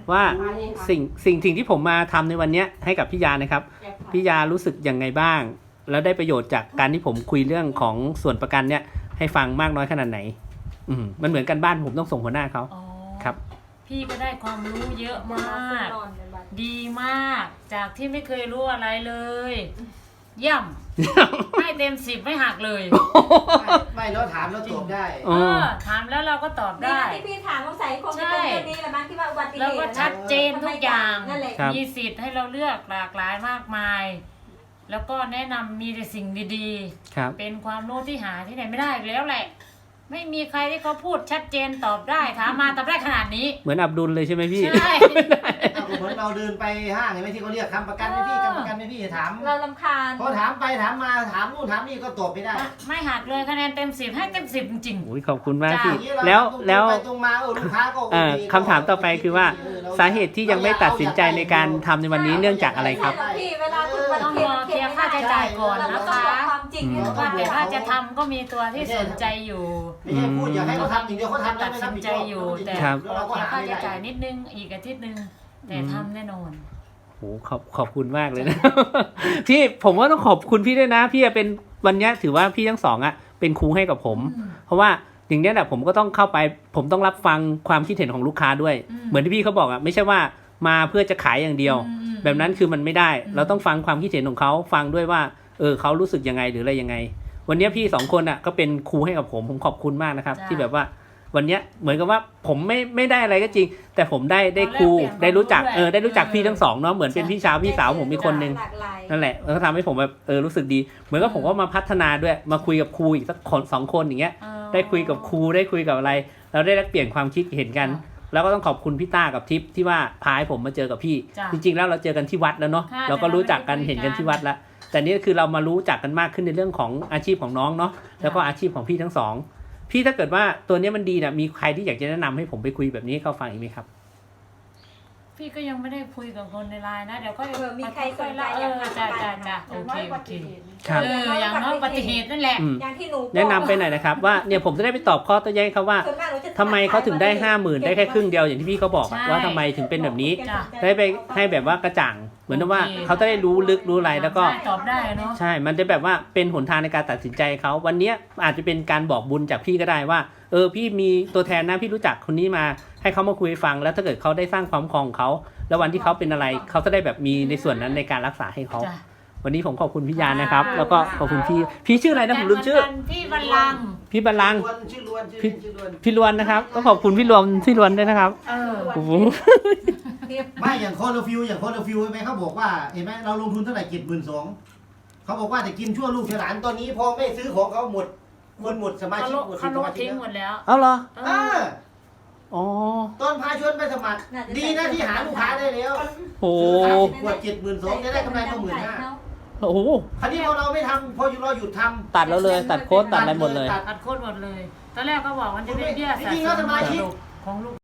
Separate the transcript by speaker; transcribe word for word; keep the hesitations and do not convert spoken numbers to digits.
Speaker 1: ว่าสิ่งสิ่งสิ่งที่ผมมาทำในวันนี้ให้กับพี่ยานะครับพี่ยารู้สึกยังไงบ้างแล้วได้ประโยชน์จากการที่ผมคุยเรื่องของส่วนประกันเนี่ยให้ฟังมากน้อยขนาดไหนอืมมันเหมือนกันบ้านผมต้องส่งหัวหน้าเขาครับ
Speaker 2: พี่ก็ได้ความรู้เยอะมากดีมากจากที่ไม่เคยรู้อะไรเลยเยี่ยมให้เต็มสิบไม่หักเลย
Speaker 3: ไม่เราถามเราตอบได้
Speaker 2: เออถามแล้วเราก็ตอบได้
Speaker 4: ที่พี่ถามสงสัยคงจะเป็นเรื่องนี้แหละมั้งที่ว่าอุบัติเหตุ
Speaker 2: แล้วก็ชัดเจนทุกอย่างมีสิทธิ์ให้เราเลือกหลากหลายมากมายแล้วก็แนะนำมีแต่สิ่งดีๆเป็นความรู้ที่หาที่ไหนไม่ได้แล้วแหละไม่มีใครที่เขาพูดชัดเจนตอบได้ถามมาตอบได้ขนาดนี้
Speaker 1: เหมือนอับดุลเลยใช่ไหมพี่
Speaker 2: ใช่
Speaker 3: เหมือนเราเดินไปห้างเห็นไหมที่เขาเรียกคำประกันไหมพี่คำประกันไหมพี่ถาม
Speaker 4: เราลำคาญ
Speaker 3: พอถามไปถามมาถามนู่นถามนี่ก็ตอบไม่ได้
Speaker 2: ไม่หักเลยคะแนนเต็มสิบให้เต็มสิบจริงๆ
Speaker 1: โอ้ยขอบคุณมากพี่แล้วแล้วคำถามต่อไปคือว่าสาเหตุที่ยังไม่ตัดสินใจในการทำในวันนี้เนื่องจากอะไรครับ
Speaker 4: พี่เวลาคุณ
Speaker 2: ต้องรอเคลียร์ค่าใช้จ่ายก่อนนะคะว่าแต่ถ้าจะทำก็มีตัวที่สนใจอยู่
Speaker 3: ไม่ใช่พูดอยากให้เขาทำอย่างเดียวเขาทำ
Speaker 2: ตัดสินใจอยู่แต่เราก็ค่าใช้จ่ายนิดนึงอีกอาทิตย์นึงแต่ทำแน่นอน
Speaker 1: โอ้ขอบขอบคุณมากเลยนะพี่ผมว่าต้องขอบคุณพี่ด้วยนะพี่เป็นวันนี้ถือว่าพี่ทั้งสองอ่ะเป็นครูให้กับผมเพราะว่าอย่างนี้แหละผมก็ต้องเข้าไปผมต้องรับฟังความคิดเห็นของลูกค้าด้วยเหมือนที่พี่เขาบอกอ่ะไม่ใช่ว่ามาเพื่อจะขายอย่างเดียวแบบนั้นคือมันไม่ได้เราต้องฟังความคิดเห็นของเขาฟังด้วยว่าเออเขารู้สึกยังไงหรืออะไรยังไงวันนี้พี่สองคนอ่ะก็เป็นครูให้กับผมผมขอบคุณมากนะครับที่แบบว่าวันนี้เหมือนกับว่าผมไม่ไม่ได้อะไรก็จริงแต่ผมได้ได้ครูได้รู้จักเออได้รู้จักพี่ทั้งสองเนาะเหมือนเป็นพี่สาวพี่สาวผมมีคนนึงนั่นแหละแล้วก็ทำให้ผมแบบเออรู้สึกดีเหมือนกับผมก็มาพัฒนาด้วยมาคุยกับครูอีกสักคนสองคนอย่างเงี้ยได้คุยกับครูได้คุยกับอะไรเราได้แลกเปลี่ยนความคิดเห็นกันแล้วก็ต้องขอบคุณพี่ต้ากับทิพย์ที่ว่าพาให้ผมมาเจอกับพี่จริงๆแล้วเราเจอกันที่วัดแล้วเนาะเราก็รู้จักกันเห็นกันที่วัดแล้วแต่นี่คือเรามารู้จักกันมากขึ้นในเรื่องของอาชีพของน้องเนาะแล้วก็อาชีพของพี่ทั้งสองพี่ถ้าเกิดว่าตัวนี้มันดีเนี่ยมีใครที่อยากจะแนะนำให้ผมไปคุยแบบนี้ให้เขาฟังอีกไหมครับ
Speaker 2: พี่ก็ยังไม่ได้คุยกับคนในไลน์นะเดี๋ยวก็
Speaker 4: มีใครสนใจ
Speaker 2: เออจ้าจ้าจ้าโอเคโอเคเอออย่างน้อยอุบัติเหตุนั่นแหละ
Speaker 4: อย่างที่หนู
Speaker 1: แนะนำไปหน่อยนะครับว่าเนี่ยผมจะได้ไปตอบข้อโต้แย้งเขาว่าทำไมเขาถึงได้ห้าหมื่นได้แค่ครึ่งเดียวอย่างที่พี่เขาบอกว่าทำไมถึงเป็นแบบนี้ได้ไปให้แบบว่ากระจ่างเหมือนว่าเขาจะได้รู้ลึกรู้อะไรแล้วก็
Speaker 2: ตอบได้เนาะ
Speaker 1: ใช่มันจะแบบว่าเป็นหนทางในการตัดสินใจเขาวันนี้อาจจะเป็นการบอกบุญจากพี่ก็ได้ว่าเออพี่มีตัวแทนนะพี่รู้จักคนนี้มาให้เขามาคุยฟังแล้วถ้าเกิดเขาได้สร้างความคล่องเขาแล้ววันที่เขาเป็นอะไรเขาจะได้แบบมีในส่วนนั้นในการรักษาให้เขาวันนี้ผมขอบคุณพี่ยานะครับแล้วก็ขอบคุณพี่พี่ชื่ออะไรนะผมลืมชื่อ
Speaker 2: พี่บัลลัง
Speaker 1: พี่บัลลัง
Speaker 3: ชื่อล้วนชื่อล้วน
Speaker 1: พี่ล้วนนะครับก็ขอบคุณพี่ล้วนพี่ล้วนด้วยนะครับ
Speaker 2: เออ
Speaker 1: โอ้โห
Speaker 3: ไม่อย่างโคโลฟิวอย่างโคโลฟิวใช่ไหมเขาบอกว่าเห็นไหมเราลงทุนเท่าไหร่เจ็ดหมื่นสองเขาบอกว่าจะกินชั่วลูกหลานตอนนี้พอไม่ซื้อของเขาหมดคนหมดสมาชิกหมด
Speaker 2: เขาลดทิ้งหมดแล้ว
Speaker 1: เอาเหรอ
Speaker 3: เออ
Speaker 1: อ๋อ
Speaker 3: ตอนพาชวนไปสมัครดีนะที่หาลูกค้าได้แล้ว
Speaker 1: โอ้
Speaker 3: ขวดเจ็ดหมื่นสองจะได้กำไรมาหมื่นห้า
Speaker 1: โอ้โห
Speaker 3: คราวนี้พอเราไม่ทำพออยู่เราหยุดทำ
Speaker 1: ตัดแล้วเลยตัดโค้ดตัดอะไรหมดเลย
Speaker 2: ตัดโค้ดหมดเลยตอนแรกเขาบอกมันจะเป็นเบี้ยสะสมของลูก